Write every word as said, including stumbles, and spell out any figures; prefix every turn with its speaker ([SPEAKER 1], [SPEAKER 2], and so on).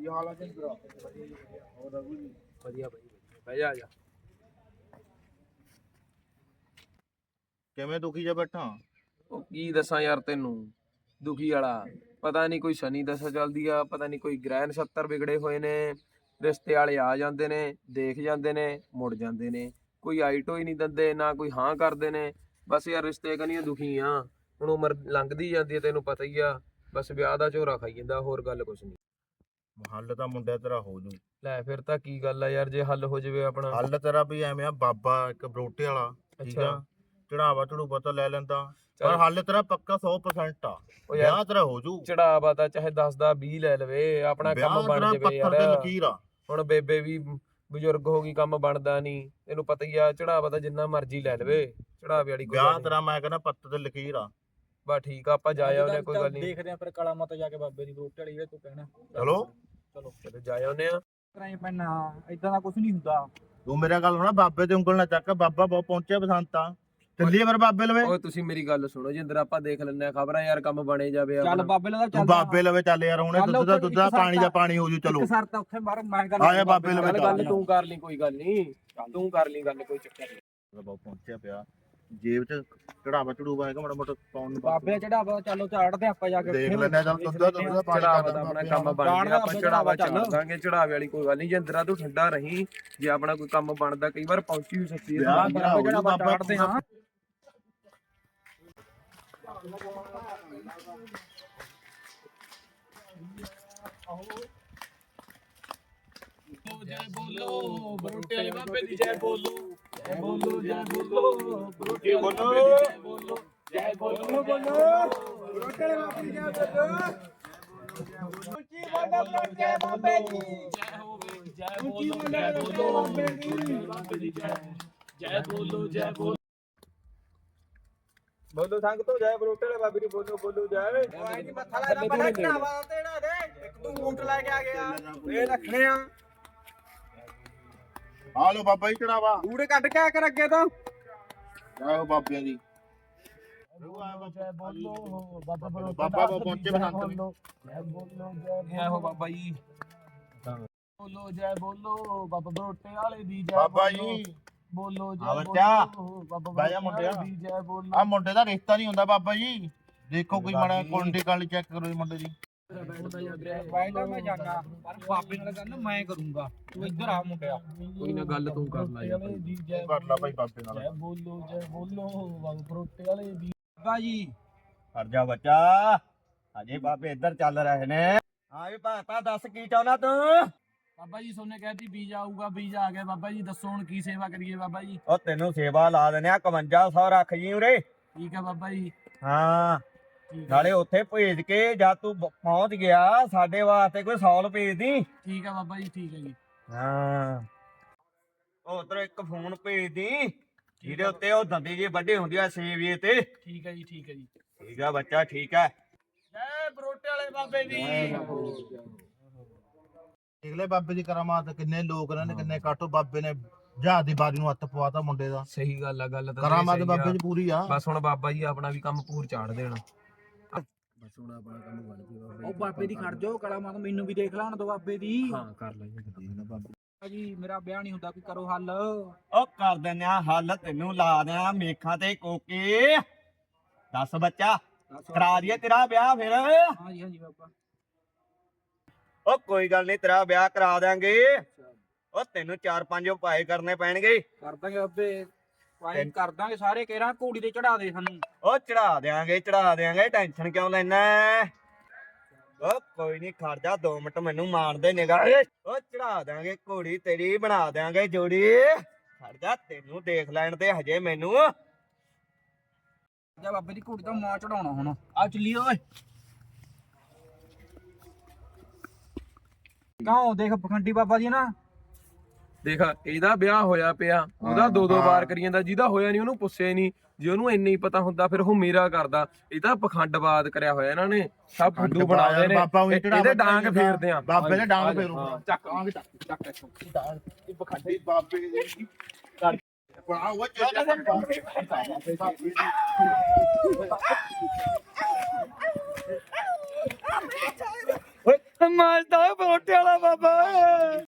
[SPEAKER 1] ਕੀ ਹਾਲ ਆ ਜਿੰਦਰਾ?
[SPEAKER 2] ਵਧੀਆ ਵਧੀਆ ਬਹਿ ਜਾ ਆ ਜਾ।
[SPEAKER 1] ਕਿਵੇਂ ਦੁਖੀ ਜਾ ਬੈਠਾ?
[SPEAKER 2] ਉਹ ਕੀ ਦੱਸਾਂ ਯਾਰ ਤੈਨੂੰ, ਦੁਖੀ ਵਾਲਾ ਪਤਾ ਨਹੀਂ ਕੋਈ ਸ਼ਨੀ ਦਸ਼ਾ ਚੱਲਦੀ ਆ, ਪਤਾ ਨਹੀਂ ਕੋਈ ਗ੍ਰਹਿ ਨਛੱਤਰ ਵਿਗੜੇ ਹੋਏ ਨੇ। ਰਿਸ਼ਤੇ ਵਾਲੇ ਆ ਜਾਂਦੇ ਨੇ, ਦੇਖ ਜਾਂਦੇ ਨੇ, ਮੁੜ ਜਾਂਦੇ ਨੇ, ਕੋਈ ਆਈਟੋ ਹੀ ਨਹੀਂ ਦਿੰਦੇ, ਨਾ ਕੋਈ ਹਾਂ ਕਰਦੇ ਨੇ। ਬਸ ਯਾਰ ਰਿਸ਼ਤੇ ਕਨੀਆਂ ਦੁਖੀ ਆ। ਹੁਣ ਉਮਰ ਲੰਘਦੀ ਜਾਂਦੀ ਹੈ, ਤੈਨੂੰ ਪਤਾ ਹੀ ਆ। ਬਸ ਵਿਆਹ ਦਾ ਝੋਰਾ ਖਾਈ ਜਾਂਦਾ, ਹੋਰ ਗੱਲ ਕੁਛ ਨਹੀਂ।
[SPEAKER 1] ਹੱਲ ਤਾਂ ਮੁੰਡਿਆ ਤੇਰਾ ਹੋ ਜੂ।
[SPEAKER 2] ਲੈ ਫਿਰ ਤਾਂ ਕੀ ਗੱਲ ਆ ਯਾਰ, ਜੇ ਹੱਲ ਹੋ ਜਾਵੇ ਆਪਣਾ।
[SPEAKER 1] ਹੱਲ ਤੇਰਾ ਵੀ ਐਵੇਂ ਆ, ਬਾਬਾ ਇੱਕ ਬਰੋਟੇ ਵਾਲਾ ਠੀਕ ਆ, ਚੜਾਵਾ ਚੜੂਵਾ ਤਾਂ ਲੈ ਲੈਂਦਾ, ਪਰ ਹੱਲ ਤੇਰਾ ਪੱਕਾ ਸੌ ਪ੍ਰਸੈਂਟ ਆ। ਵਿਆਹ ਤੇਰਾ ਹੋ ਜੂ।
[SPEAKER 2] ਚੜਾਵਾ ਤਾਂ ਚਾਹੇ ਦਸ ਦਾ ਵੀਹ ਲੈ ਲਵੇ, ਆਪਣਾ ਕੰਮ ਬਣ ਜਾਵੇ ਯਾਰ।
[SPEAKER 1] ਲਕੀਰ ਆ
[SPEAKER 2] ਹੁਣ ਬੇਬੇ ਵੀ ਬਜ਼ੁਰਗ ਹੋ ਗਈ, ਕੰਮ ਬਣਦਾ ਨਹੀਂ, ਤੈਨੂੰ ਪਤਾ ਹੀ ਆ। ਚੜਾਵਾ ਤਾਂ ਜਿੰਨਾ ਮਰਜ਼ੀ ਲੈ ਲਵੇ, ਚੜਾਵੇ ਵਾਲੀ ਕੋਈ
[SPEAKER 1] ਵਿਆਹ ਤੇਰਾ ਮੈਂ ਕਹਿੰਦਾ ਪੱਤ ਤੇ ਲਕੀਰ ਆ।
[SPEAKER 2] ਬਸ ਠੀਕ ਆ, ਆਪਾਂ ਜਾ ਆਉਨੇ, ਕੋਈ ਗੱਲ ਨਹੀਂ।
[SPEAKER 3] ਦੇਖਦੇ ਆ ਫਿਰ ਕਾਲਾ ਮਾਤਾ ਜਾ ਕੇ ਬਾਬੇ ਦੀ ਬਰੋਟੇ ਵਾਲੀ, ਤੂੰ ਕਹਿਣਾ।
[SPEAKER 1] ਚਲੋ
[SPEAKER 3] ਚਲੋ
[SPEAKER 2] ਚਲੋ ਜਾ ਆਉਨੇ ਆ।
[SPEAKER 3] ਕਰਾਈ ਪੈਣਾ, ਇਦਾਂ ਦਾ ਕੁਝ ਨਹੀਂ ਹੁੰਦਾ।
[SPEAKER 1] ਤੂੰ ਮੇਰਾ ਗੱਲ ਸੁਣਾ, ਬਾਬੇ ਤੇ ਉਂਗਲ ਨਾ ਚੱਕ, ਬਾਬਾ ਬਹੁਤ ਪਹੁੰਚਿਆ ਬਸੰਤਾ। ਚੱਲੀਏ ਫਿਰ ਬਾਬੇ ਲਵੇ।
[SPEAKER 2] ਓਏ ਤੁਸੀਂ ਮੇਰੀ ਗੱਲ ਸੁਣੋ ਜਿੰਦਰ, ਆਪਾਂ ਦੇਖ ਲੈਂਦੇ ਆ ਖਬਰਾਂ ਯਾਰ, ਕੰਮ ਬਣੇ ਜਾਵੇ।
[SPEAKER 3] ਚੱਲ ਬਾਬੇ ਲਵੇ
[SPEAKER 1] ਤੂੰ ਬਾਬੇ ਲਵੇ ਚੱਲ ਯਾਰ, ਹੁਣੇ ਦੁੱਧ ਦਾ ਦੁੱਧ ਦਾ ਪਾਣੀ ਦਾ ਪਾਣੀ ਹੋ ਜੂ। ਚਲੋ
[SPEAKER 3] ਸਰ ਤਾਂ ਉੱਥੇ ਮਾਰ ਮੈਂ ਗੱਲ
[SPEAKER 1] ਆਇਆ ਬਾਬੇ ਲਵੇ
[SPEAKER 2] ਗੱਲ ਗੱਲ ਤੂੰ ਕਰ ਲਈ, ਕੋਈ ਗੱਲ ਨਹੀਂ, ਤੂੰ ਕਰ ਲਈ ਗੱਲ, ਕੋਈ ਚੱਕਰ ਨਹੀਂ।
[SPEAKER 1] ਬਹੁਤ ਪਹੁੰਚਿਆ ਪਿਆ, ਜੇਬ ਚ ਚੜਾਵਾ ਚੜੂਵਾ ਹੈਗਾ ਮਾੜਾ ਮੋਟਾ ਪਾਉਣ ਨੂੰ।
[SPEAKER 3] ਬਾਬੇ ਚੜਾਵਾ ਚੱਲੋ ਝਾੜਦੇ ਆਪਾਂ ਜਾ ਕੇ
[SPEAKER 1] ਦੇਖ ਲੈਂਦੇ ਆ। ਚੱਲ ਦੁੱਧ ਦਾ ਦੁੱਧ ਦਾ ਪਾਣੀ
[SPEAKER 2] ਚੜਾਵਾ ਦਾ ਆਪਣਾ ਕੰਮ ਬਣ ਗਿਆ, ਆਪਾਂ ਚੜਾਵਾ ਚੱਲ ਦਾਂਗੇ। ਚੜਾਵੇ ਵਾਲੀ ਕੋਈ ਗੱਲ ਨਹੀਂ, ਜਿੰਦਰਾ ਤੂੰ ਠੰਡਾ ਰਹੀਂ। ਜੇ ਆਪਣਾ ਕੋਈ ਕੰਮ ਬਣਦਾ, ਕਈ ਵਾਰ ਪਹੁੰਚੀ ਵੀ ਸਕਦੀ ਹੈ।
[SPEAKER 3] ਬਾਬੇ ਚੜਾਵਾ ਝਾੜਦੇ ਹਾਂ।
[SPEAKER 2] ਜੈ ਬੋਲੋ ਬਰੋਟੇ ਵਾਲੇ ਬਾਬੇ ਦੀ, ਜੈ ਬੋਲੋ ਜੈ ਬੋਲੋ ਜੈ ਬੋਲੋ ਬਰੋਟੇ ਵਾਲੇ ਬਾਬੇ ਦੀ, ਜੈ ਬੋਲੋ ਜੈ ਬੋਲੋ ਬੋਲੋ ਬਰੋਟੇ ਵਾਲੇ ਬਾਬੇ ਦੀ, ਜੈ ਬੋਲੋ ਉੱਚੀ ਬੋਲੋ ਬਰੋਟੇ ਬਾਬੇ ਦੀ, ਜੈ ਹੋਵੇ ਜੈ ਬੋਲੋ ਜੈ ਬੋਲੋ ਬਾਬੇ ਦੀ, ਜੈ ਜੈ ਬੋਲੋ ਜੈ ਬੋਲੋ ਬੋਲੋ ਸੰਗ ਤੋਂ, ਜੈ ਬਰੋਟੇ ਵਾਲੇ ਬਾਬੇ ਦੀ, ਬੋਲੋ ਬੋਲੋ ਜੈ।
[SPEAKER 3] ਆਈ ਨਹੀਂ ਮੱਥਾ ਲਾਇਆ ਬੜਾ ਚੜਾਵਾ ਤੇੜਾ ਦੇ, ਇੱਕ ਤੂੰ ਊਂਟ ਲੈ ਕੇ ਆ ਗਿਆ, ਇਹ ਰੱਖਣੇ ਆ।
[SPEAKER 1] ਆ ਲੋ ਬਾਬਾ ਜੀ ਚੜਾਵਾ,
[SPEAKER 3] ਊੜੇ ਕੱਢ ਕੇ ਆ ਕਰ ਅੱਗੇ ਤੋਂ।
[SPEAKER 1] ਜਾਓ ਬਾਬਿਆਂ ਦੀ।
[SPEAKER 2] ਜੈ ਬੋਲੋ ਬਾਬਾ ਬਰੋਟੇ
[SPEAKER 1] ਬਾਬਾ ਪਹੁੰਚੇ ਬਸੰਤ ਵੀ।
[SPEAKER 2] ਜੈ ਬੋਲੋ ਜੈ ਹੋ ਬਾਬਾ ਜੀ, ਬੋਲੋ ਜੈ ਬੋਲੋ ਬਾਬਾ ਬਰੋਟੇ ਵਾਲੇ ਦੀ, ਜੈ
[SPEAKER 1] ਬਾਬਾ ਜੀ
[SPEAKER 2] ਬੋਲੋ ਜੈ
[SPEAKER 1] ਆ ਬੱਚਾ,
[SPEAKER 2] ਬੋਲੋ ਬਾਬਾ
[SPEAKER 1] ਬਹਿ ਜਾ ਮੁੰਡਿਆ।
[SPEAKER 2] ਦੀ, ਜੈ ਬੋਲੋ।
[SPEAKER 1] ਆ ਮੁੰਡੇ ਦਾ ਰਿਸ਼ਤਾ ਨਹੀਂ ਹੁੰਦਾ ਬਾਬਾ ਜੀ, ਦੇਖੋ ਕੋਈ ਮਾੜਾ ਕੁੰਡੀ ਕਾਲੀ ਚੈੱਕ ਕਰੋ ਜੀ ਮੁੰਡੇ ਦੀ।
[SPEAKER 3] ਬਾਈ ਦਾ ਮੈਂ ਜਾਣਾ, ਪਰ ਬਾਬੇ ਨਾਲ ਗੱਲ ਮੈਂ ਕਰੂੰਗਾ, ਤੂੰ ਇੱਧਰ ਆ ਮੁੰਡਿਆ।
[SPEAKER 2] ਕੋਈ ਨਾ ਗੱਲ ਤੂੰ ਕਰ ਲੈ ਯਾਰ।
[SPEAKER 1] ਕਰ ਲਾ ਭਾਈ ਬਾਬੇ ਨਾਲ।
[SPEAKER 2] ਜੈ ਬੋਲੋ ਜੈ ਬੋਲੋ ਬਾਬਾ ਬਰੋਟੇ ਵਾਲੇ ਦੀ।
[SPEAKER 3] ਬਾਬਾ ਜੀ
[SPEAKER 4] ਹਟ ਜਾ ਬੱਚਾ, ਅਜੇ ਬਾਬੇ ਇੱਧਰ ਚੱਲ ਰਹੇ ਨੇ। ਹਾਂ ਵੀ ਭਾਤਾ ਦੱਸ ਕੀ ਚਾਹੁੰਦਾ ਤੂੰ?
[SPEAKER 2] ਬਾਬਾ ਜੀ ਸੋਨੇ ਕਹਿੰਦੀ ਵੀਜ਼ਾ ਆਊਗਾ, ਵੀਜ਼ਾ ਆ ਗਿਆ ਬਾਬਾ ਜੀ, ਦੱਸੋ ਹੁਣ ਕੀ ਸੇਵਾ ਕਰੀਏ ਬਾਬਾ ਜੀ।
[SPEAKER 4] ਉਹ ਤੈਨੂੰ ਸੇਵਾ ਲਾ ਦਿੰਦੇ ਆ, ਇਕਵੰਜਾ ਸੌ ਰੱਖ ਜੀ ਉਰੇ।
[SPEAKER 2] ਠੀਕ ਆ ਬਾਬਾ ਜੀ।
[SPEAKER 4] ਹਾਂ
[SPEAKER 2] ਠੀਕ ਆ
[SPEAKER 4] ਨਾਲੇ ਉੱਥੇ ਭੇਜ ਕੇ ਜਦ ਤੂੰ ਬ- ਪਹੁੰਚ ਗਿਆ, ਸਾਡੇ ਵਾਸਤੇ ਕੋਈ ਸੌਲ ਭੇਜ ਦੀ।
[SPEAKER 2] ਠੀਕ ਆ ਬਾਬਾ ਜੀ, ਠੀਕ ਹੈ ਜੀ।
[SPEAKER 4] ਹਾਂ ਉਹ ਉਧਰ ਇੱਕ ਫੋਨ ਭੇਜ ਦੀ, ਜਿਹਦੇ ਉੱਤੇ ਉਹ ਦੰਦੀ ਜੀ ਵੱਡੇ ਹੁੰਦੀ ਆ ਸੇਵੀਏ ਤੇ।
[SPEAKER 2] ਠੀਕ ਹੈ ਜੀ, ਠੀਕ ਹੈ ਜੀ।
[SPEAKER 4] ਠੀਕ ਆ ਬੱਚਾ, ਠੀਕ ਹੈ।
[SPEAKER 2] ਜੈ ਬਰੋਟੇ ਵਾਲੇ ਬਾਬੇ ਦੀ।
[SPEAKER 1] ਦੇਖ ਲੈ ਬਾਬੇ ਦੀ ਕਰਾਮਾਤ, ਕਿੰਨੇ ਲੋਕ ਨੇ, ਕਿੰਨੇ ਕਾਟੋ। ਬਾਬੇ ਨੇ ਜਹਾਜ਼ ਦੀ ਬਾਰੀ ਨੂੰ ਹੱਥ ਪਵਾਤਾ ਮੁੰਡੇ ਦਾ।
[SPEAKER 2] ਸਹੀ ਗੱਲ ਆ, ਗੱਲ ਤਾਂ
[SPEAKER 1] ਕਰਾਮਾਤ ਬਾਬੇ ਦੀ ਪੂਰੀ ਆ।
[SPEAKER 2] ਬਸ ਹੁਣ ਬਾਬਾ ਜੀ ਆਪਣਾ ਵੀ ਕੰਮ ਪੂਰ ਚਾੜ ਦੇਣਾ। ਬਸ ਹੁਣ ਆਪਣਾ ਕੰਮ ਬਣ ਗਿਆ ਬਾਬਾ
[SPEAKER 3] ਉਹ ਬਾਬੇ ਦੀ ਖੜ ਜਾਓ, ਕਲਾ ਮਾਤਾ ਮੈਨੂੰ ਵੀ ਦੇਖ ਲੈਣ ਦੋ ਬਾਬੇ ਦੀ।
[SPEAKER 2] ਹਾਂ ਕਰ ਲਾਂਗੇ
[SPEAKER 3] ਬਾਬਾ ਜੀ ਮੇਰਾ ਵਿਆਹ ਨਹੀਂ ਹੁੰਦਾ, ਕੋਈ ਕਰੋ ਹੱਲ।
[SPEAKER 4] ਉਹ ਕਰ ਦਿੰਦੇ ਆ ਹੱਲ, ਤੈਨੂੰ ਲਾ ਦਿਆਂ ਮੇਖਾਂ ਤੇ ਕੋਕੇ। ਦੱਸ ਬੱਚਾ, ਕਰਾ ਦਈਏ ਤੇਰਾ ਵਿਆਹ ਫਿਰ?
[SPEAKER 3] ਹਾਂਜੀ ਹਾਂਜੀ ਬਾਬਾ।
[SPEAKER 4] ਉਹ ਕੋਈ ਗੱਲ ਨਹੀਂ, ਤੇਰਾ ਵਿਆਹ ਕਰਾ ਦਿਆਂਗੇ। ਉਹ ਤੈਨੂੰ ਚਾਰ ਪੰਜ ਉਪਾਏ ਕਰਨੇ ਪੈਣਗੇ।
[SPEAKER 3] ਕਰ ਦਾਂਗੇ ਬਾਬੇ, ਪਾਏ ਕਰ ਦਾਂਗੇ ਸਾਰੇ। ਕਹਿਣਾ ਘੋੜੀ ਤੇ ਚੜਾ ਦੇ ਸਾਨੂੰ।
[SPEAKER 4] ਉਹ ਚੜਾ ਦਿਆਂਗੇ ਚੜਾ ਦਿਆਂਗੇ, ਟੈਨਸ਼ਨ ਕਿਉਂ ਲੈਣਾ? ਉਹ ਕੋਈ ਨਹੀਂ, ਖੜ ਜਾ ਦੋ ਮਿੰਟ, ਮੈਨੂੰ ਮਾਰਦੇ ਨਿਗਾਹ। ਉਹ ਚੜਾ ਦਿਆਂਗੇ ਘੋੜੀ ਤੇਰੀ, ਬਣਾ ਦਿਆਂਗੇ ਜੋੜੀ। ਖੜ ਜਾ, ਤੈਨੂੰ ਦੇਖ ਲੈਣ ਤੇ ਹਜੇ ਮੈਨੂੰ।
[SPEAKER 3] ਜਾ ਬਾਬੇ ਦੀ ਘੋੜੀ ਤਾਂ ਮਾਂ ਚੜਾਉਣਾ ਹੁਣ। ਆ ਚੱਲੀਏ ਓਏ। ਕਾਹੋਂ ਦੇਖ ਪਖੰਡੀ ਬਾਬਾ ਜੀ ਨਾ।
[SPEAKER 2] ਦੇਖ ਇਹਦਾ ਵਿਆਹ ਹੋਇਆ ਪਿਆ, ਉਹਦਾ ਦੋ ਦੋ ਵਾਰ ਕਰੀ ਜਾਂਦਾ, ਜਿਹਦਾ ਹੋਇਆ ਨਹੀਂ ਉਹਨੂੰ ਪੁੱਛਿਆ ਨਹੀਂ। ਜੇ ਉਹਨੂੰ ਇੰਨਾ ਹੀ ਪਤਾ ਹੁੰਦਾ ਫਿਰ ਉਹ ਮੇਰਾ ਕਰਦਾ। ਇਹ ਤਾਂ ਪਖੰਡਵਾਦ ਕਰਿਆ ਹੋਇਆ ਇਹਨਾਂ ਨੇ, ਸਭ ਫੁੱਦੂ ਬਣਾਉਂਦੇ ਨੇ। ਇਹਦੇ ਡਾਂਗ ਫੇਰਦੇ ਆ
[SPEAKER 1] ਬਾਬੇ ਦੇ ਡਾਂਗ ਫੇਰੂ।
[SPEAKER 2] ਚੱਕ ਆਂਗੇ ਚੱਕ ਚੱਕ
[SPEAKER 1] ਇਹ ਪਖੰਡੀ ਬਾਬੇ ਦੀ ਬਣਾ ਉਹ
[SPEAKER 4] ਓਏ
[SPEAKER 3] ਮਾਰਦਾ ਬਰੋਟੇ ਵਾਲਾ ਬਾਬਾ